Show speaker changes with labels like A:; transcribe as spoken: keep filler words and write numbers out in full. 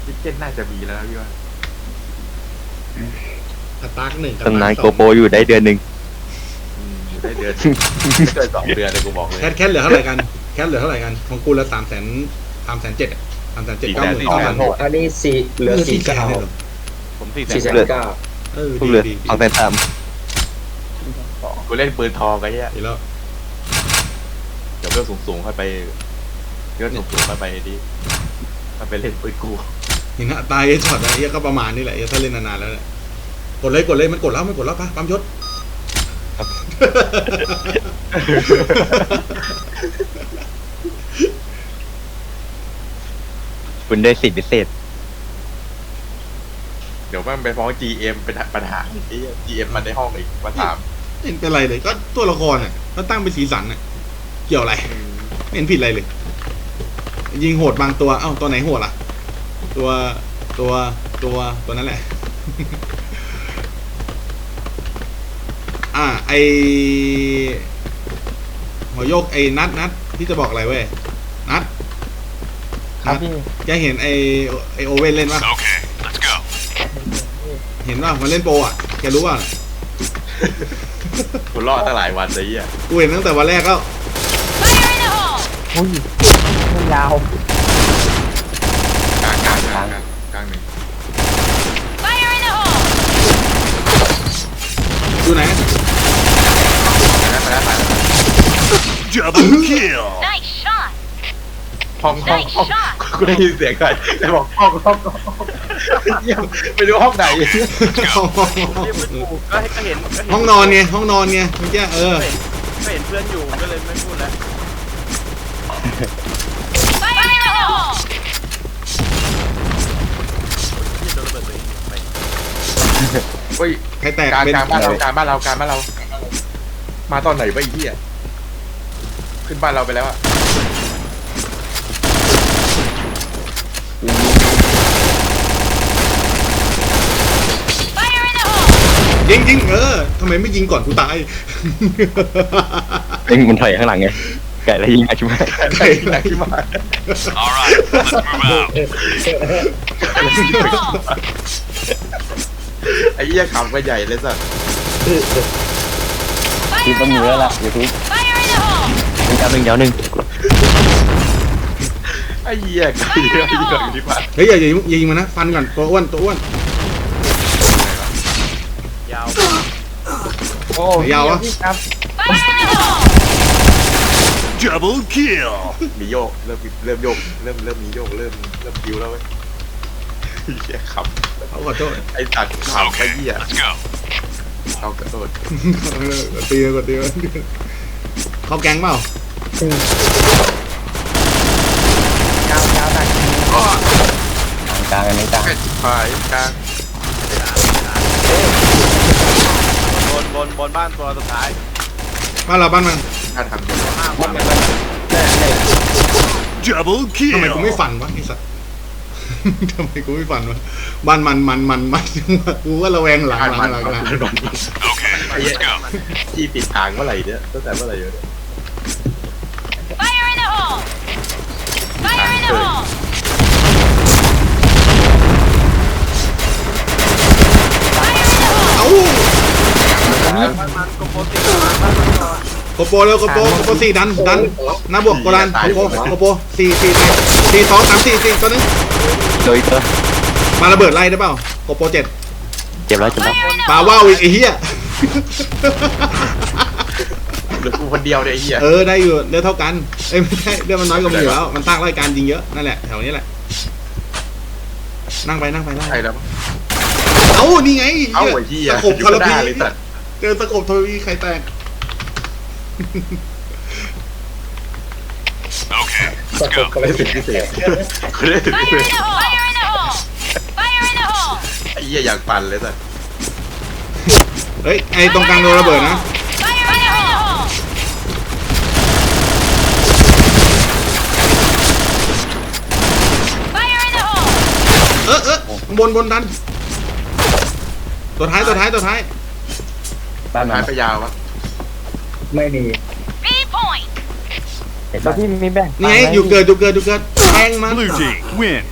A: ทิเก็ตน่าจะมีแล้วนะพี่ว่า
B: สตาร์กหนึ่ง
C: ตำนานโกโปอยู่ได้เดือนหนึ่ง
A: อยู่ได้เดือนไม่เกินสองเดือนเลยกูบอกเลย
B: แคทแคทเหลือเท่าไหร่กันแคทเหลือเท่าไหร่กันของกูละสามแสนสามแสนเจ็ดอ่ะสามแสนเจ็ดเก้าหมื่นเก้าพันหก
D: อันนี้สี่เหลือสี่
B: แสน
D: เก้า
B: เลยเหรอ
E: ผมสี่แส
D: สี่
E: น
D: แสนเก้า
B: เออ
C: ทุก
B: ดี
C: เหลือ
B: ดี
C: สองแสนสาม
A: กูเล่นปืนทองไอ้เหี้ย
B: ดีแล้ว
A: เดี๋ยวเรื่องสูงๆค่อยไปเรื่องสูงๆค่อยไปดิค่อยไปเล่นปืนกู
B: เห็นนะตายไอ้ช็อตไอ้เหี้ยก็ประมาณนี้แหละไอ้ถ้าเล่นนานๆแล้วเนี่ยกดเลยกดเลยมันกดแล้วมันกดแล้วปะปั๊มยศ
C: คุณได้สิทธิพิเศษ
A: เดี๋ยวมันไปฟ้อง จี เอ็ม เป็นปัญหาไอ้เหี้ย จี เอ็ม มันในห้องอีกมาถาม
B: ไม่เห็นเป็นไรเลยก็ตัวละครอ่ะก็ตั้งเป็นสีสันอ่ะเกี่ยวอะไรไม่เห็นผิดอะไรเลย ยิงโหดบางตัวเอ้าตัวไหนโหดล่ะ ตัวตัวตัวตัวนั้นแหละ อ่าไอหัวโยกไอนัดนัดพี่จะบอกอะไรเว้ยนัด
C: ครับพี่
B: แกเห็นไอไอโอเว่นเล่นปะ
F: Okay, let's go.
B: เห็นว่ามันเล่นโปรอ่ะแกรู้ป่ะ
A: กูรอดตั้งหลายวันเลยไอ้เหี้ย
B: กูเห็นตั้งแต่วันแรกแล้ว
C: อุ้ยไม่ยาว
A: กลางกลางกลางกลางกลางหนึ่ง
B: อยู่ไหน
A: มาแล้วมาแล้วมาแล้ว
F: Double kill.
G: Nice shot.
A: ห้องห้องห้องกูได้ยินเสียงใครแต่บอกห้องห้องห้องเยี่ยมไม่รู้ห้องไหน
B: ห้องห้อง
E: เรียกเพื่อนอยู่ก็ก็เห็นก็เห็น
B: ห้องนอนไงห้องนอนไงเมื่อกี้เออ
E: ก็เห็นเพื่อนอยู่ก็เลยไม่พูดแล้ว
G: Fire in the hole.
E: ที่โดนระเบิดตัวเองไป
A: เฮ้ย
B: ใครแตก
A: การ
B: เป็น
A: การบ้านเราการบ้านเราการบ้านเรา มาตอนไหนวะไอ้เหี้ยขึ้นบ้านเราไปแล้วอะ
G: Fire in the hole.
B: ยิงยิงเออทำไมไม่ยิงก่อนกูตาย
C: เอ็งมันถอยข้างหลังไงไก่แล้วยิงอาชุมา
A: ใครไหนที่มา
F: All right, let's move out.
G: Fire in the hole.
A: ไอ้เหี้ยขำกันใหญ่เลยสัส
C: ทีม
G: Fire
C: ต้
G: in
C: น
G: the
C: มือแล้ว
G: hole.
C: ล่ะยูทูบ
G: Fire in the hole.
C: เป็นการหนึ่งยาวหนึ่ง
A: ไอ้เหี้ยไอ้เหี้ยไอ้เหี้ยที่มา
B: เฮ้ยอย่าอย่ายิงอย่ายิงมันนะฟันก่อนตัวอ้วนตัวอ้วน
E: ยาว
C: โอ้
B: ยาววะ
G: Fire in the hole.
F: Double kill.
A: มีโยกเริ่มเริ่มโยกเริ่มเริ่มมีโยกเริ่มเริ่มคิวแล้วเว้ยไอ้เหี้ยขำ
B: เขาขอโทษ
A: ไอ้สัตว์ขำไอ้
F: Okay,
A: เหี้ย
F: let's go.
A: เอากระโดด
B: เออกดตีกดตีเขาแก๊งเปล่า
C: ยาวยาวตัดกลางกันไม่กลาง
A: ไอ้พายกลาง
E: บนบนบนบ้านตัวสุดท้าย
B: บ้านเราบ้านมัน
A: ถ้าทำเดี๋ยว
E: ห้าคน
F: Double
B: ทำไมกูไม่
F: kill.
B: ฟันวะไอ้สัส ทำไมกูไม่ฟันวะบ้านมันมันมันมันกูว่าระแวงหลัง
A: อ่าน
B: หลั
A: มัน
B: งหลังหลัง
A: มัน
F: Okay,
A: ไอ้เหี้ย
F: let's go.
A: จี้ปิดทางเมื่อไหร่เนี่ยตั้งแต่เมื่อไหร่เนี่ย
G: Fire in the hole. Fire in the hole. Fire in the hole.
B: เอ้า
E: บ้านมันก็โพสต์ติดบ้านมันก่อน
B: โกโปเร็วโกโปโกโปสี่ดันดันหน้าบวกโกดันโกโปโกโปสี่สี่ไปสี่สองสามสี่สี่ตัวนึง
C: โดยตัว
B: มาระเบิดไล่ได้เปล่าโกโปเจ็ด
C: เจ็บแล้วเจ็บแล้ว
G: Fire in the
B: ปา
G: hole.
B: ว่าวอีกไอ้เหี้ย
A: เหลือกูคนเดียวเนี่ยไอ้เหี้ย
B: เออได้อยู่เลือดเท่ากันเอ้ยไม่ใช่เลือดมันน้อยกว่ามึงอยู่แล้วมันตั้งรายการยิงเยอะนั่นแหละแถวนี้แหละนั่งไปนั่งไปนั่งไป
A: ใช่แล้ว
B: เอ้านี่ไง
A: เอ้าไอ้เหี้ย
B: สกบ
A: อยู่
B: ทร
A: ห
B: พี
A: น้าเลยสัตว์
B: เจอสกบทรพีใครแตก
F: Okay,
D: ส
F: let's
D: ก
F: go.
D: ปก็เลยสิพิเศษ
A: กูได้ถึง
G: Fire
A: เลย
G: in the hole. Fire in the hole. Fire in the hole.
A: ไอ้เหี้ยอยากปั่นเลยสัตว์
B: เฮ้ยไอ้ตรงกลางโดนระเบิดนะ
G: Fire in the hole. Fire in the hole.
B: เออเออบนบนดันตัวท้ายตัวท้ายตัวท้าย
C: บ้านมั
A: หาน ยไปยาววะ
D: ไม่มี
G: B point.
C: แล้วพี่มีแบ่ง
B: นี่ไงอยู่เกิดอยู่เกิดอยู่เกิดแทงมัน
F: Blue team win.